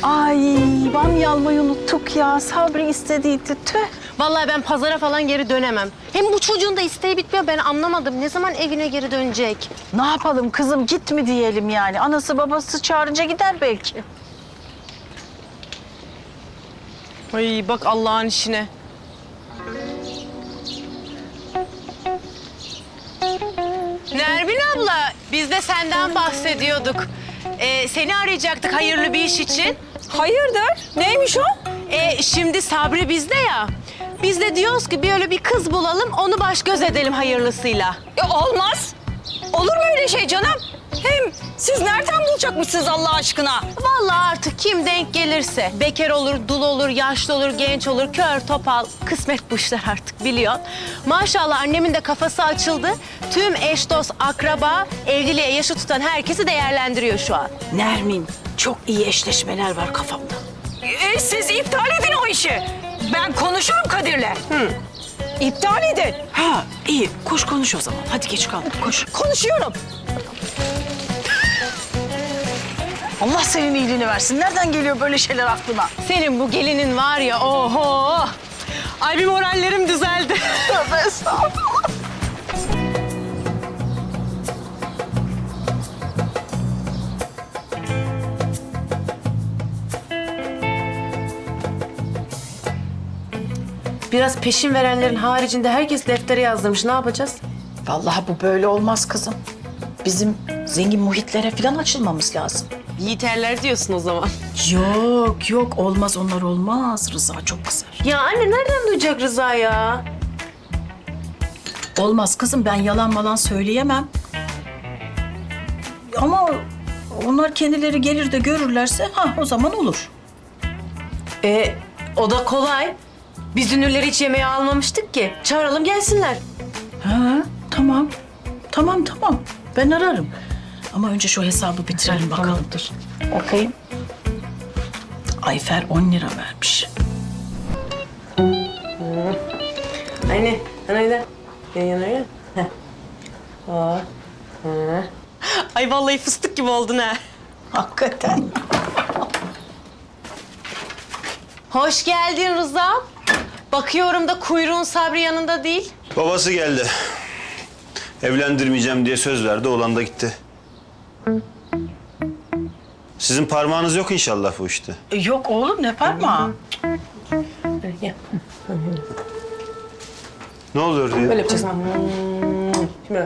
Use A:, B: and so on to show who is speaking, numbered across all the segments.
A: Ay bamya almayı unuttuk ya. Sabri istediydi. Tüh.
B: Vallahi ben pazara falan geri dönemem. Hem bu çocuğun da isteği bitmiyor. Ben anlamadım. Ne zaman evine geri dönecek?
A: Ne yapalım kızım, git mi diyelim yani. Anası babası çağırınca gider belki.
B: Ay bak Allah'ın işine. Nermin abla, biz de senden bahsediyorduk. Seni arayacaktık hayırlı bir iş için.
C: Hayırdır? Neymiş o?
B: Şimdi Sabri bizde ya. Biz de diyoruz ki böyle bir kız bulalım, onu baş göz edelim hayırlısıyla.
C: Olmaz. Olur mu öyle şey canım? Hem siz nereden bulacakmışsınız Allah aşkına?
B: Vallahi artık kim denk gelirse. Bekar olur, dul olur, yaşlı olur, genç olur, kör, topal. Kısmet bu işler artık biliyorsun. Maşallah annemin de kafası açıldı. Tüm eş, dost, akraba, evliliğe yaşı tutan herkesi değerlendiriyor şu an.
A: Nermin, çok iyi eşleşmeler var kafamda.
C: Siz iptal edin o işi. Ben konuşurum Kadir'le. İptal edin.
A: Ha iyi, koş konuş o zaman. Hadi geç kaldık, koş.
C: Konuşuyorum.
A: Allah senin iyiliğini versin. Nereden geliyor böyle şeyler aklına?
B: Senin bu gelinin var ya, oho! Ay bir morallerim düzeldi.
A: Tövbe estağfurullah.
B: Biraz peşin verenlerin haricinde herkes deftere yazdırmış. Ne yapacağız?
A: Vallahi bu böyle olmaz kızım. Bizim zengin muhitlere falan açılmamız lazım.
B: Yiğiterler diyorsun o zaman.
A: Yok yok, olmaz, onlar olmaz. Rıza çok kızar.
B: Ya anne nereden duyacak Rıza ya?
A: Olmaz kızım, ben yalan malan söyleyemem. Ama onlar kendileri gelir de görürlerse o zaman olur.
B: O da kolay. Biz ünlüleri hiç yemeğe almamıştık ki. Çağıralım gelsinler.
A: Ha tamam. Tamam. Ben ararım. Ama önce şu hesabı bitirelim bakalım.
B: Dur.
A: Bakayım. Ayfer 10 lira vermiş.
B: Anne, anayla. Yan yana ya. Ay vallahi fıstık gibi oldun ha.
A: Hakikaten.
B: Hoş geldin Rıza. Bakıyorum da kuyruğun Sabri yanında değil.
D: Babası geldi. Evlendirmeyeceğim diye söz verdi, oğlan da gitti. Sizin parmağınız yok inşallah bu işte.
A: Yok oğlum, ne parmağı?
D: Ne oluyor diye?
B: Böyle yapacağız. Şimdi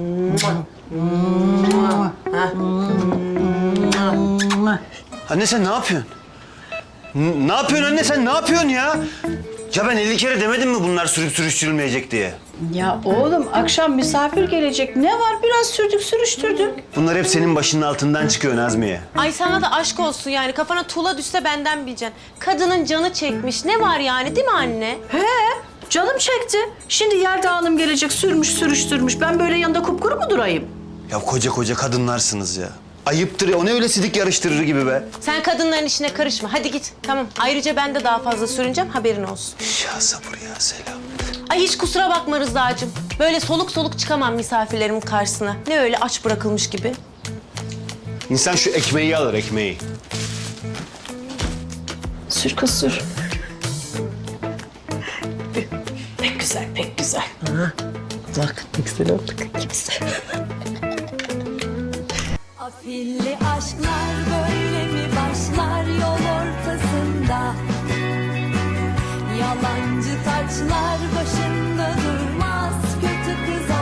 D: Anne sen ne yapıyorsun? Ne yapıyorsun anne, sen ne yapıyorsun ya? Ya ben 50 kere demedim mi bunlar sürüp sürüştürülmeyecek diye?
A: Ya oğlum, akşam misafir gelecek. Ne var? Biraz sürdük sürüştürdük.
D: Bunlar hep senin başının altından çıkıyor Nazmiye.
B: Ay sana da aşk olsun yani. Kafana tuğla düşse benden bileceksin. Kadının canı çekmiş. Ne var yani değil mi anne?
A: He, canım çekti. Şimdi yer dağılım gelecek, sürmüş sürüştürmüş. Ben böyle yanında kupkuru mu durayım?
D: Ya koca kadınlarsınız ya. Ayıptır ya, o ne öyle sidik yarıştırır gibi be.
B: Sen kadınların işine karışma. Hadi git. Tamam. Ayrıca ben de daha fazla sürüneceğim. Haberin olsun.
D: Ya sabır ya, selam.
B: Ay hiç kusura bakma Rıza'cığım. Böyle soluk soluk çıkamam misafirlerimin karşısına. Ne öyle aç bırakılmış gibi.
D: İnsan şu ekmeği alır, ekmeği.
A: Sür kız sür. Pek güzel, pek güzel.
B: Bak ne güzel olduk.
E: Afilli aşklar böyle mi başlar yol ortasında? Yalancı taçlar başında durmaz, kötü kız